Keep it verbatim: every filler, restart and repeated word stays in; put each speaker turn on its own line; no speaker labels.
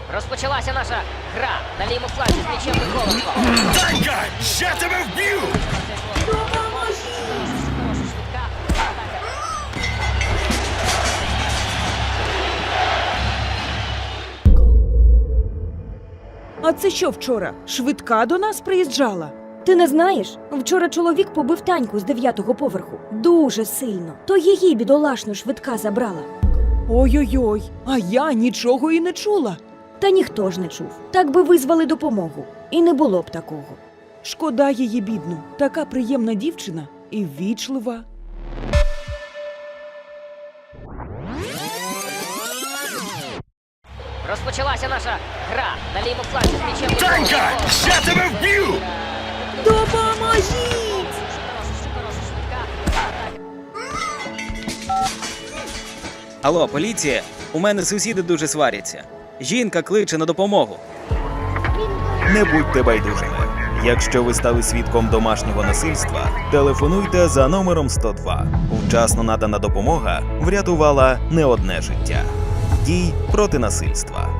Розпочалася наша гра на лівому фланзі з м'ячем Миколенко.
Данька, я тебе вб'ю!
А це що вчора? Швидка до нас приїжджала?
Ти не знаєш? Вчора чоловік побив Таньку з дев'ятого поверху. Дуже сильно. То її бідолашну швидка забрала.
Ой-ой-ой, а я нічого і не чула.
Та ніхто ж не чув. Так би визвали допомогу. І не було б такого.
Шкода її бідну. Така приємна дівчина і ввічлива.
Розпочалася наша гра на лівому фланзі з м'ячем
Данька,
Миколенко.
я тебе вб'ю!
Допоможіть!
Алло, поліція? У мене сусіди дуже сваряться. Жінка кличе на допомогу.
Не будьте байдужими. Якщо ви стали свідком домашнього насильства, телефонуйте за номером сто два. Вчасно надана допомога врятувала не одне життя. Дій проти насильства.